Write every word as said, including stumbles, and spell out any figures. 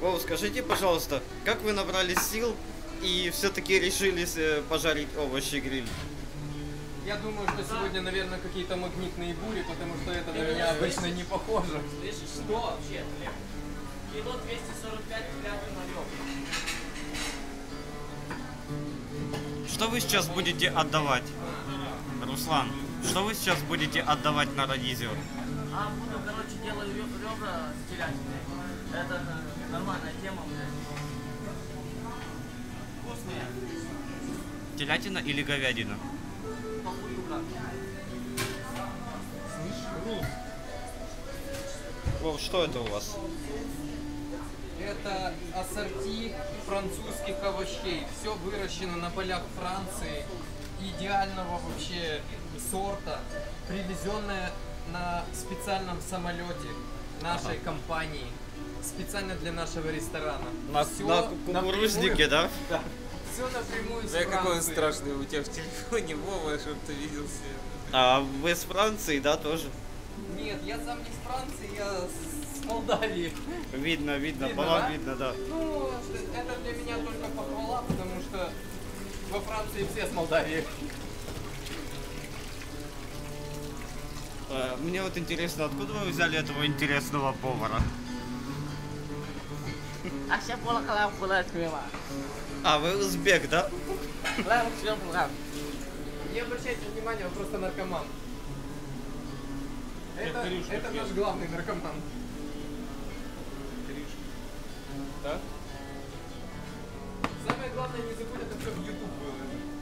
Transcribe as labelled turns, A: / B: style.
A: О, скажите, пожалуйста, как вы набрали сил и все-таки решились э, пожарить овощи гриль?
B: Я думаю, что сегодня, наверное, какие-то магнитные бури, потому что это на меня обычно не похоже.
C: Слышишь, что вообще, Глеб? Кило двести сорок пять пятый малек.
A: Что вы сейчас будете отдавать? Руслан, что вы сейчас будете отдавать на радизио?
C: А, буду, короче, делаю ребра с телятиной. Это нормальная тема, блядь. Вкусные.
A: Телятина или говядина?
C: Похуй, брат.
A: Вов, что это у вас?
B: Это ассорти французских овощей. Все выращено на полях Франции. Идеального вообще сорта. Привезенное на специальном самолете нашей ага. компании. Специально для нашего ресторана.
A: На,
B: Все
A: на кукурузнике, да?
B: Да. Все напрямую с
D: Да,
B: Франции.
D: какой он страшный у тебя в телефоне, Вова, чтобы ты видел все.
A: А вы с Франции, да, тоже?
B: Нет, я сам не с Франции, я с Молдавии.
A: Видно, видно,
B: Видно,
A: по вам
B: да?
A: видно, да.
B: Ну, это для меня только похвала, потому что во Франции все с Молдавии.
A: А, мне вот интересно, откуда вы взяли этого интересного повара?
C: А сейчас было халам кулать мимо.
A: А, вы узбек, да?
C: Халам все халам.
B: Не обращайте внимания, он просто наркоман. Это, это наш главный наркоман.
D: Да?
B: Самое главное, не забудь это все в YouTube выложить.